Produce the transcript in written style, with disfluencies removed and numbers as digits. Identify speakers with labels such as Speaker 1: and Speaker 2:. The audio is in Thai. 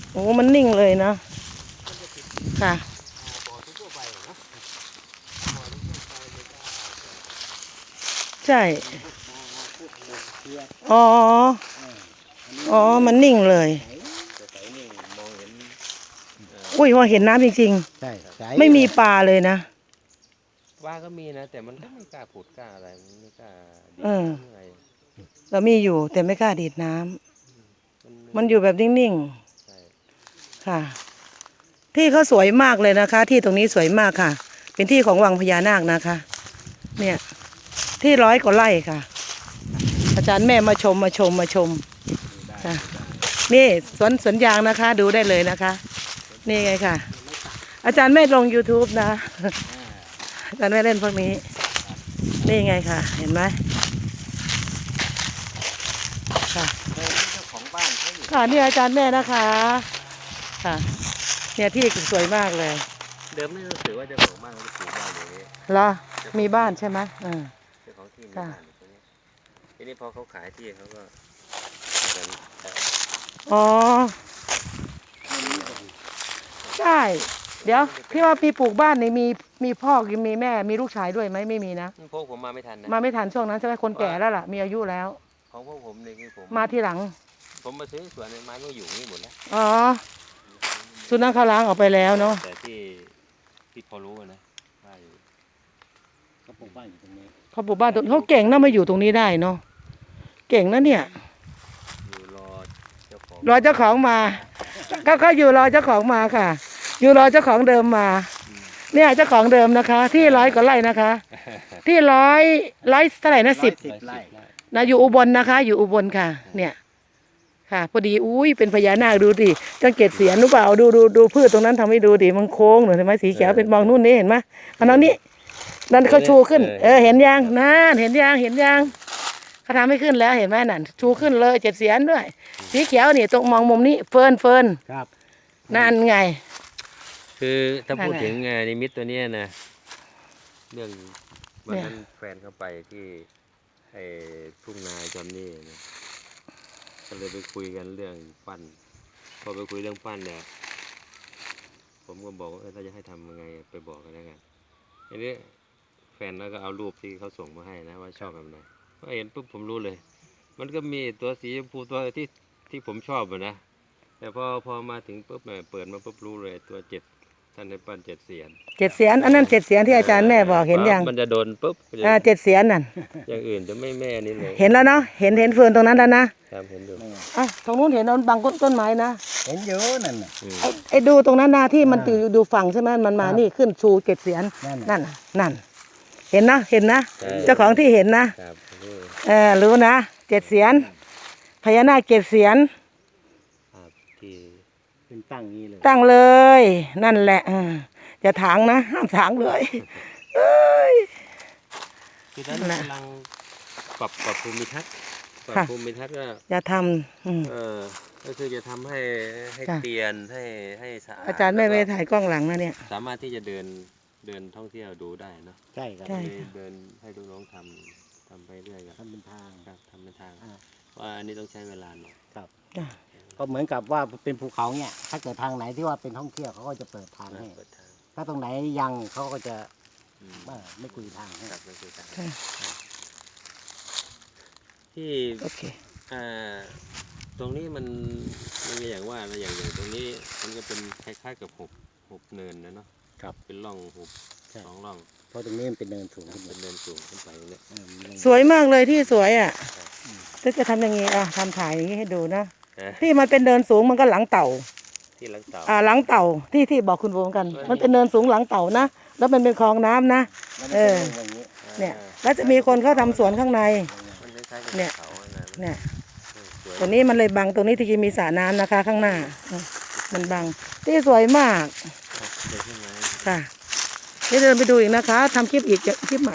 Speaker 1: โอ้มันนิ่งเลยนะค่ะใช่อ๋ออ๋อมันนิ่งเลยอุ้ยพอเห็นน้ำจริง
Speaker 2: ใช่
Speaker 1: ๆไม่มีปลาเลยนะ
Speaker 3: ปลาก็มีนะแต่มันก็ไม่กล้าผุดกล้าอะไรมันไม่กล้าดีอะไร
Speaker 1: เรามีอยู่แต่ไม่กล้าดีดน้ำมันอยู่แบบนิ่งๆค่ะที่เขาสวยมากเลยนะคะที่ตรงนี้สวยมากค่ะ เป็นที่ของวังพญานาคนะคะเนี่ยที่100 กว่าไร่ค่ะอาจารย์แม่มาชมค่ะนี่สวนยางนะคะดูได้เลยนะคะนี่ไงค่ะอาจารย์แม่ลง YouTube นะอาจารย์แม่เล่นพวกนี้นี่ไงค่ะเห็นไหมค่ะค่ะนี่อาจารย์แม่นะคะค่ะเนี่ยที่สวยมากเลย
Speaker 3: เดิมนี่รู้สึกว่าจะของบ้านเขาจะปลูกบ้านอย่างนี้
Speaker 1: เหรอมีบ้านใช่ไหม
Speaker 3: เจ้าของที่มีบ้านอยู่ตรงนี้ทีนี้พอเขาขายที่เขาก็
Speaker 1: อ๋อใช่เดี๋ยวพี่ว่ามีปลูกบ้านนี่มีพ่อมีแม่มีลูกชายด้วยไหมไม่มีนะ
Speaker 3: พวกผมมาไม่ทันนะ
Speaker 1: มาไม่ทันช่วงนั้นใช่ไหมคนแก่แล้วล่ะมีอายุแล้ว
Speaker 3: ของพวกผมเนี่ยคือผม
Speaker 1: มาทีหลัง
Speaker 3: ผมมาซื้อสวนไม้ก็อยู่นี่หมดแล้ว
Speaker 1: อ๋อสุนัขเขาล้างออกไปแล้วเนาะ
Speaker 3: แต่ที่พอรู้นะว่าอยู่
Speaker 2: เขาปลูกบ้านอยู่ตรงนี้
Speaker 1: เขาปลูกบ้านตรงเขาเก่งนะมาอยู่ตรงนี้ได้เนาะเก่งนะเนี่ย
Speaker 3: อยู่รอเจ้าของ
Speaker 1: มาเขาอยู่รอเจ้าของมาค่ะอยู่รอเจ้าของเดิมมาเนี่ยเจ้าของเดิมนะคะ ที่100 กว่าไร่นะคะ ที่ร้อยเท่าไหร่นะ10
Speaker 2: ไร่
Speaker 1: นะอยู่อุบลนะคะ อยู่อุบลค่ะ เนี่ยค่ะพอดีอุ้ยเป็นพญานาคดูดิจังเกตเสียนหรือเปล่าดูพืชตรงนั้นทำให้ดูดิมันโค้งหน่อยเห็นไหมสีเขียวเป็นมองนู่นนี่เห็นไหมอันนั้นนี่นั่นเขาชูขึ้นเห็นยังนั่นเห็นยังเขาทำให้ขึ้นแล้วเห็นไหมนั่นชูขึ้นเลย7 เสียนด้วยสีเขียวนี่ตรงมองมุมนี้เฟิร์น
Speaker 2: ครับ
Speaker 1: นั่นไง
Speaker 3: คือถ้าพูดถึงนิมิตตัวนี้นะเรื่องวันนั้นแฟนเขาไปที่ไอ้ทุ่งนาจอมนี่นะก็เลยไปคุยกันเรื่องปั้นพอไปคุยเรื่องปั้นเนี่ยผมก็บอกว่าถ้าจะให้ทำยังไงไปบอกกันแล้วกันทีนี้แฟนแล้วก็เอารูปที่เขาส่งมาให้นะว่าชอบแบบไหนพอเห็นปุ๊บผมรู้เลยมันก็มีตัวสีชมพูตัวที่ผมชอบนะแต่พอมาถึงปุ๊บเปิดมาปุ๊บรู้เลยตัวท่านในปั้น7 เสียน
Speaker 1: 7 เสียนอันนั้น7 เสียนที่อาจารย์แม่บอกเห็นยัง
Speaker 3: มันจะโดนปุ๊บ
Speaker 1: 7 เสียนนั่น
Speaker 3: อย่างอื่นจะไม่แม่นี่เลย
Speaker 1: เห็นแล้วเนาะเห็นเฟิร์นตรงนั้นแล้วนะครับ
Speaker 3: เห็นดู
Speaker 1: ตรงนู้นเห็นนนบางต้นไม้นะ
Speaker 2: เห็นเยอะนั่นน่ะ
Speaker 1: ไอ้ดูตรงนั้นนะที่มันดูฝั่งใช่ไหมมันมานี่ขึ้นชู7 เสียนนั่นเห็นนะเจ้าของที่เห็นนะรู้นะ7 เสียนพญานาค7 เสียน
Speaker 3: ที่
Speaker 2: เป็นตั้งนี้เลย
Speaker 1: ตั้งเลยนั่นแหละอย่าถางนะห้ามถางเลย
Speaker 3: คือท่านกำลังปรับภูมิทัศน์ก็
Speaker 1: อย่าท
Speaker 3: ำก็คือจะทำให้เตียนให้สะอาด
Speaker 1: อาจารย์ไม่ถ่ายกล้องหลังนะเนี่ย
Speaker 3: สามารถที่จะเดินท่องเที่ยวดูได้เนาะ
Speaker 2: ใช่ครับ
Speaker 3: เดินให้ดูน้องทำไปเรื่อย
Speaker 2: ทำเป็นทาง
Speaker 3: ครับทำเป็นทางว่าอันนี้ต้องใช้เวลาหน่อย
Speaker 2: ครับก็เหมือนกับว่าเป็นภูเขาเนี่ยถ้าเกิดทางไหนที่ว่าเป็นท่องเที่ยวเขาก็จะเปิดทางให้ถ้าตรงไหนยังเขาก็จะไม่คุยทางให้
Speaker 3: ไม่คุยทางที่ตรงนี้มันอย่างว่าอย่างตรงนี้มันก็เป็นคล้ายๆกับหุบเนินนะเนาะ
Speaker 2: ครับ
Speaker 3: เป็นร่องหุบ2 ร่อง
Speaker 2: เพราะตรงนี้มันเป็นเนินสูง
Speaker 3: เป็นเนินสูงขึ้นไปเนี่ย
Speaker 1: สวยมากเลยที่สวยจะทำอย่างนี้ทำถ่ายอย่างนี้ให้ดูนะที่มันเป็นเนินสูงมันก็หลังเต่า
Speaker 3: ที่หลังเต่า
Speaker 1: หลังเต่าที่บอกคุณโบกันมันเป็นเนินสูงหลังเต่านะแล้วมันเป็นคลองน้ำนะเนี่ยแล้วจะมีคนเข้าทำสวนข้างในเนี่ยตรงนี้มันเลยบังตรงนี้ที่จะมีสระน้ำนะคะข้างหน้ามันบังที่สวยมากค่ะนี่เดินไปดูอีกนะคะทำคลิปอีกคลิปใหม่